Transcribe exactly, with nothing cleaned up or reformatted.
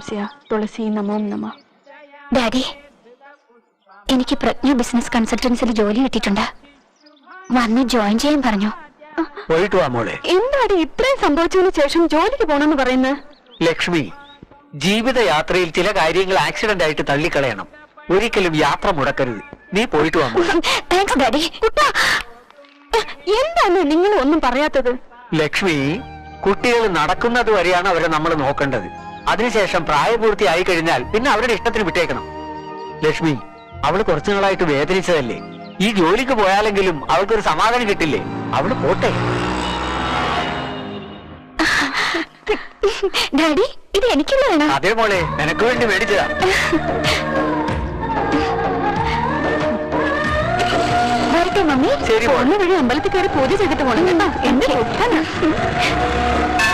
സംശയ തുളസി നമോം നമ. ഡാഡി, എനിക്ക് പ്രജ്ഞ ബിസിനസ് കൺസൾട്ടൻസിൽ ജോലി കിട്ടിയിട്ടുണ്ട്. വന്ന് ജോയിൻ ചെയ്യാൻ പറഞ്ഞു. പോയിട്ട് വാ മോളെ. എന്താടി ഇത്രയും സംഭവിച്ചതിന് ശേഷം ജോലിക്ക് പോണെന്ന് പറയുന്നത്? ലക്ഷ്മി, ജീവിതയാത്രയിൽ ചില കാര്യങ്ങൾ ആക്സിഡന്റ് ആയിട്ട് തള്ളിക്കളയണം. ഒരിക്കലും യാത്ര മുടക്കരുത്. നീ പോയിട്ട് വാ മോളെ. Thanks daddy. എന്താണ് നിങ്ങൾ ഒന്നും പറയാത്തത്? ലക്ഷ്മി, കുട്ടികൾ നടക്കുന്നത് വരെയാണ് അവരെ നമ്മൾ നോക്കേണ്ടത്. അതിനുശേഷം പ്രായപൂർത്തിയായി കഴിഞ്ഞാൽ പിന്നെ അവരുടെ ഇഷ്ടത്തിന് വിട്ടേക്കണം. ലക്ഷ്മി, അവള് കുറച്ചു നാളായിട്ട് വേദനിച്ചതല്ലേ? ഈ ജോലിക്ക് പോയാലെങ്കിലും അവൾക്കൊരു സമാധാനം കിട്ടില്ലേ? അവള് പോട്ടെ. ഡാഡി, ഇത് എനിക്കുള്ളതാണ്. അതേ മോളെ, നിനക്ക് വേണ്ടി മേടിച്ചതാ. വരട്ടെ മമ്മി. ശരി, വഴി അമ്പലത്തിൽ കയറി പൂജ ചെയ്തിട്ട് പോകണം കേട്ടോ. എന്റെ